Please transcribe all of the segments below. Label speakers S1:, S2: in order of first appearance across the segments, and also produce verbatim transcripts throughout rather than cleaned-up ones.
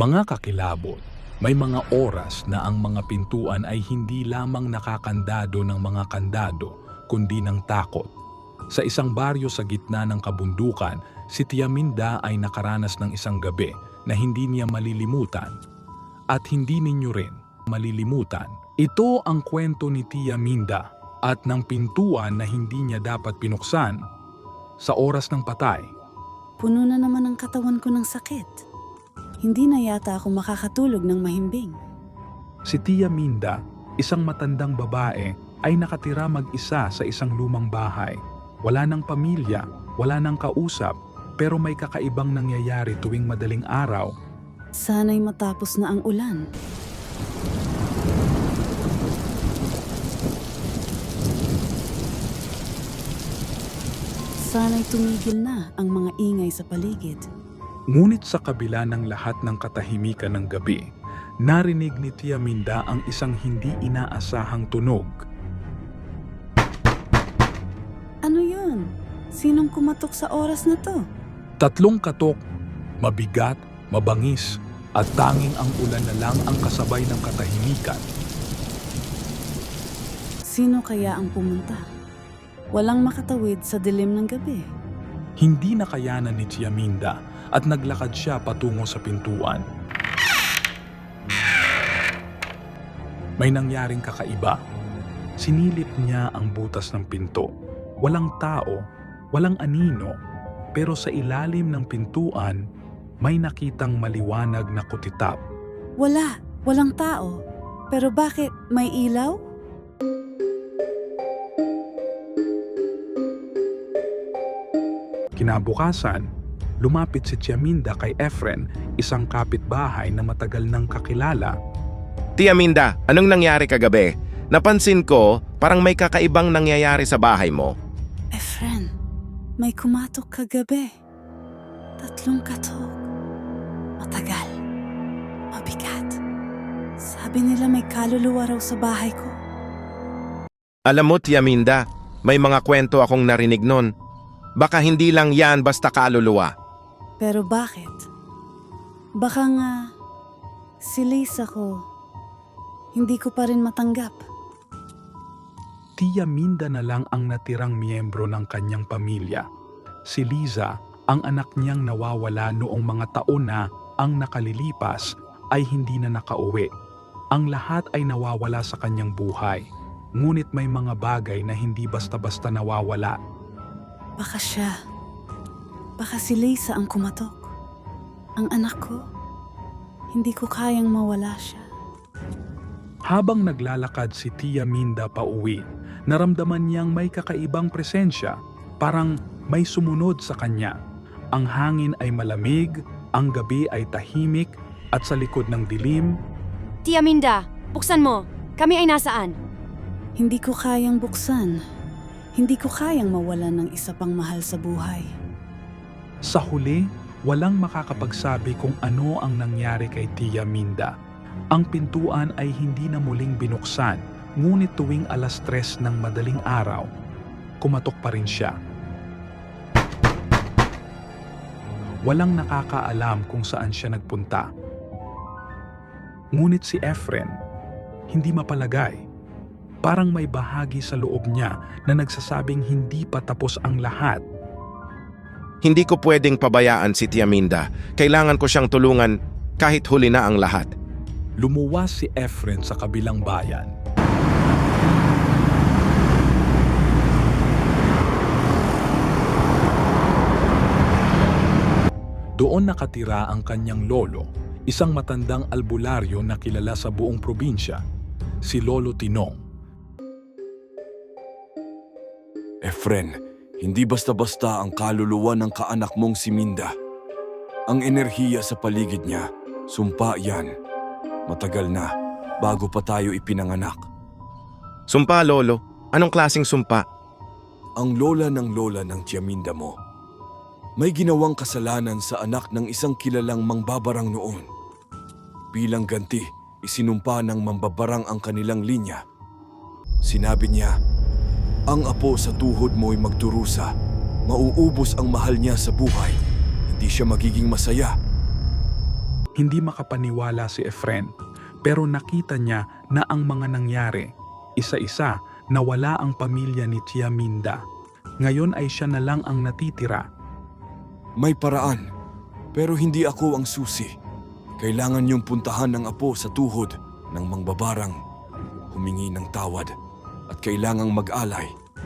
S1: Mga kakilabot, may mga oras na ang mga pintuan ay hindi lamang nakakandado ng mga kandado, kundi ng takot. Sa isang baryo sa gitna ng kabundukan, si Tia Minda ay nakaranas ng isang gabi na hindi niya malilimutan. At hindi ninyo rin malilimutan. Ito ang kwento ni Tia Minda at ng pintuan na hindi niya dapat pinuksan sa oras ng patay.
S2: Puno na naman ang katawan ko ng sakit. Hindi na yata ako makakatulog ng mahimbing.
S1: Si Tia Minda, isang matandang babae, ay nakatira mag-isa sa isang lumang bahay. Wala nang pamilya, wala nang kausap, pero may kakaibang nangyayari tuwing madaling araw.
S2: Sana'y matapos na ang ulan. Sana'y tumigil na ang mga ingay sa paligid.
S1: Ngunit sa kabila ng lahat ng katahimikan ng gabi, narinig ni Tia Minda ang isang hindi inaasahang tunog.
S2: Ano yun? Sinong kumatok sa oras na to?
S1: Tatlong katok, mabigat, mabangis, at tanging ang ulan na lang ang kasabay ng katahimikan.
S2: Sino kaya ang pumunta? Walang makatawid sa dilim ng gabi.
S1: Hindi nakayanan ni Tia Minda at naglakad siya patungo sa pintuan. May nangyaring kakaiba. Sinilip niya ang butas ng pinto. Walang tao, walang anino, pero sa ilalim ng pintuan, may nakitang maliwanag na kutitap.
S2: Wala, walang tao. Pero bakit may ilaw?
S1: Kinabukasan, lumapit si Tia Minda kay Efren, isang kapitbahay na matagal nang kakilala.
S3: Tia Minda, anong nangyari kagabi? Napansin ko, parang may kakaibang nangyayari sa bahay mo.
S2: Efren, may kumatok kagabi. Tatlong katok. Matagal. Mabigat. Sabi nila may kaluluwa raw sa bahay ko.
S3: Alam mo, Tia Minda, may mga kwento akong narinig nun. Baka hindi lang yan basta kaluluwa.
S2: Pero bakit? Baka nga si Lisa ko, hindi ko pa rin matanggap.
S1: Tia Minda na lang ang natirang miyembro ng kanyang pamilya. Si Liza, ang anak niyang nawawala noong mga taon na ang nakalilipas ay hindi na nakauwi. Ang lahat ay nawawala sa kanyang buhay. Ngunit may mga bagay na hindi basta-basta nawawala.
S2: Baka siya. Baka si Lisa ang kumatok. Ang anak ko, hindi ko kayang mawala siya.
S1: Habang naglalakad si Tia Minda pa uwi, naramdaman niyang may kakaibang presensya, parang may sumunod sa kanya. Ang hangin ay malamig, ang gabi ay tahimik, at sa likod ng dilim,
S4: Tia Minda, buksan mo. Kami ay nasaan?
S2: Hindi ko kayang buksan. Hindi ko kayang mawalan ng isa pang mahal sa buhay.
S1: sa huli, walang makakapagsabi kung ano ang nangyari kay Tia Minda. Ang pintuan ay hindi na muling binuksan, ngunit tuwing alas tres ng madaling araw, kumatok pa rin siya. Walang nakakaalam kung saan siya nagpunta. Ngunit si Efren, hindi mapalagay. Parang may bahagi sa loob niya na nagsasabing hindi pa tapos ang lahat.
S3: Hindi ko pwedeng pabayaan si Tia Minda. Kailangan ko siyang tulungan kahit huli na ang lahat.
S1: Lumuwas si Efren sa kabilang bayan. Doon nakatira ang kanyang lolo, isang matandang albularyo na kilala sa buong probinsya, si Lolo Tinong.
S5: Efren, hindi basta-basta ang kaluluwa ng kaanak mong si Minda. Ang enerhiya sa paligid niya, sumpa yan. Matagal na, bago pa tayo ipinanganak.
S3: Sumpa, Lolo. Anong klaseng sumpa?
S5: Ang lola ng lola ng Tia Minda mo, may ginawang kasalanan sa anak ng isang kilalang mangbabarang noon. Bilang ganti, isinumpa ng mambabarang ang kanilang linya. Sinabi niya, ang apo sa tuhod mo'y magdurusa, mauubos ang mahal niya sa buhay, hindi siya magiging masaya.
S1: Hindi makapaniwala si Efren, pero nakita niya na ang mga nangyari, isa-isa nawala ang pamilya ni Tia Minda. Ngayon ay siya na lang ang natitira.
S5: May paraan, pero hindi ako ang susi. Kailangan niyong puntahan ng apo sa tuhod ng mangbabarang, humingi ng tawad, at kailangang mag-alay.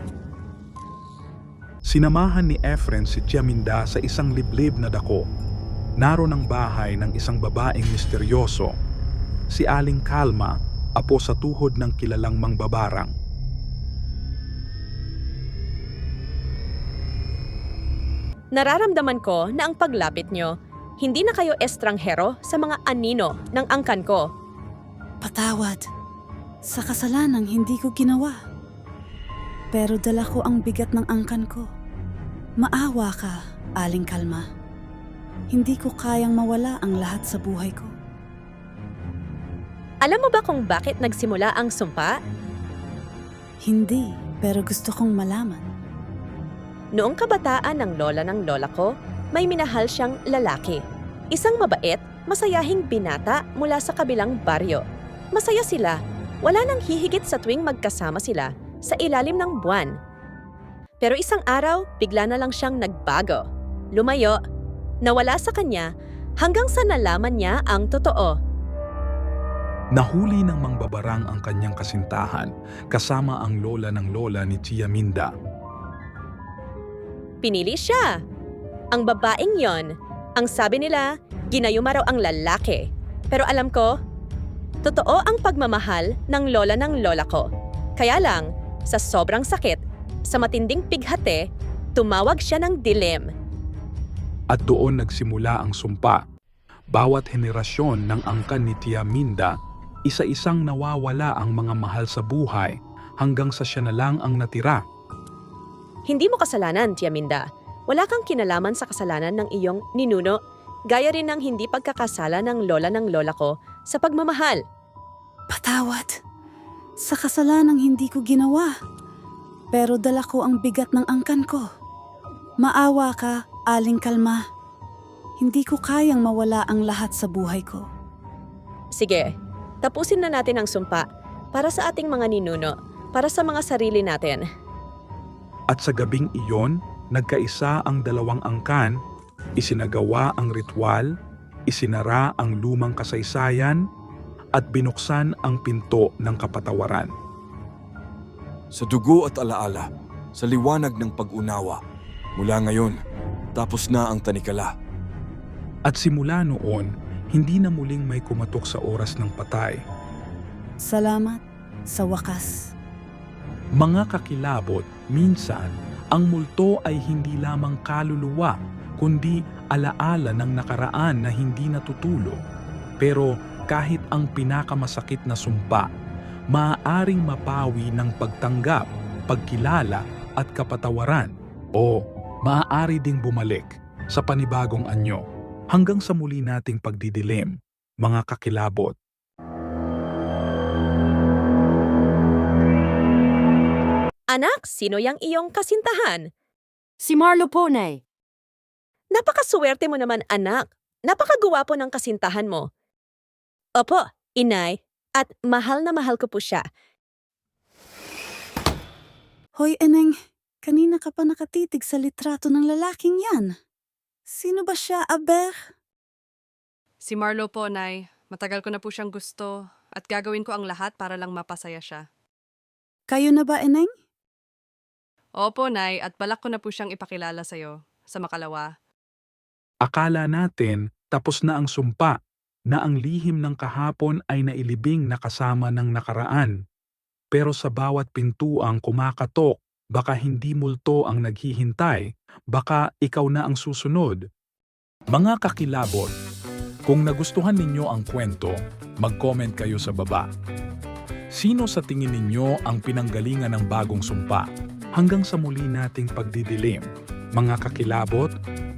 S1: Sinamahan ni Efren si Tia Minda sa isang liblib na dako. Naroon ang bahay ng isang babaeng misteryoso, si Aling Kalma, apo sa tuhod ng kilalang mangbabarang.
S6: Nararamdaman ko na ang paglapit nyo, hindi na kayo estranghero sa mga anino ng angkan ko.
S2: Patawad sa kasalanang hindi ko ginawa. Pero dala ko ang bigat ng angkan ko. Maawa ka, Aling Kalma. Hindi ko kayang mawala ang lahat sa buhay ko.
S6: Alam mo ba kung bakit nagsimula ang sumpa?
S2: Hindi, pero gusto kong malaman.
S6: Noong kabataan ng lola ng lola ko, may minahal siyang lalaki. Isang mabait, masayahing binata mula sa kabilang baryo. Masaya sila. Wala nang hihigit sa tuwing magkasama sila sa ilalim ng buwan. Pero isang araw, bigla na lang siyang nagbago. Lumayo, nawala sa kanya hanggang sa nalaman niya ang totoo.
S1: Nahuli ng mangbabarang ang kanyang kasintahan kasama ang lola ng lola ni Tia Minda.
S6: Pinili siya. Ang babaeng yon, ang sabi nila, ginayuma raw ang lalaki. Pero alam ko, totoo ang pagmamahal ng lola ng lola ko. Kaya lang, sa sobrang sakit, sa matinding pighate, tumawag siya ng dilim.
S1: At doon nagsimula ang sumpa. Bawat henerasyon ng angkan ni Tia Minda, isa-isang nawawala ang mga mahal sa buhay hanggang sa siya na lang ang natira.
S6: Hindi mo kasalanan, Tia Minda. Wala kang kinalaman sa kasalanan ng iyong ninuno, gaya rin ng hindi pagkakasala ng lola ng lola ko sa pagmamahal.
S2: Patawad sa kasalanang hindi ko ginawa. Pero dala ko ang bigat ng angkan ko. Maawa ka, Aling Kalma. Hindi ko kayang mawala ang lahat sa buhay ko.
S6: Sige, tapusin na natin ang sumpa para sa ating mga ninuno, para sa mga sarili natin.
S1: At sa gabing iyon, nagkaisa ang dalawang angkan, isinagawa ang ritual, isinara ang lumang kasaysayan, at binuksan ang pinto ng kapatawaran.
S5: Sa dugo at alaala, sa liwanag ng pag-unawa, mula ngayon, tapos na ang tanikala.
S1: At simula noon, hindi na muling may kumatok sa oras ng patay.
S2: Salamat sa wakas.
S1: Mga kakilabot, minsan, ang multo ay hindi lamang kaluluwa, kundi alaala ng nakaraan na hindi natutulo. Pero kahit ang pinakamasakit na sumpa, maaaring mapawi ng pagtanggap, pagkilala at kapatawaran. O maaari ding bumalik sa panibagong anyo hanggang sa muli nating pagdidilim, mga kakilabot.
S6: Anak, sino yang iyong kasintahan?
S4: Si Marlo po, Nay.
S6: Napakaswerte mo naman, anak. Napakagwapo ng kasintahan mo. Opo, inay, at mahal na mahal ko po siya.
S2: Hoy, Eneng, kanina ka pa nakatitig sa litrato ng lalaking yan. Sino ba siya, Aber?
S7: Si Marlo po, Nay. Matagal ko na po siyang gusto at gagawin ko ang lahat para lang mapasaya siya.
S2: Kayo na ba, Eneng?
S7: Opo, Nay, at balak ko na po siyang ipakilala sa'yo, sa makalawa.
S1: Akala natin tapos na ang sumpa, na ang lihim ng kahapon ay nailibing na kasama ng nakaraan. Pero sa bawat pintuang kumakatok, baka hindi multo ang naghihintay, baka ikaw na ang susunod. Mga kakilabot, kung nagustuhan ninyo ang kwento, mag-comment kayo sa baba. Sino sa tingin ninyo ang pinanggalingan ng bagong sumpa? Hanggang sa muli nating pagdidilim, mga kakilabot,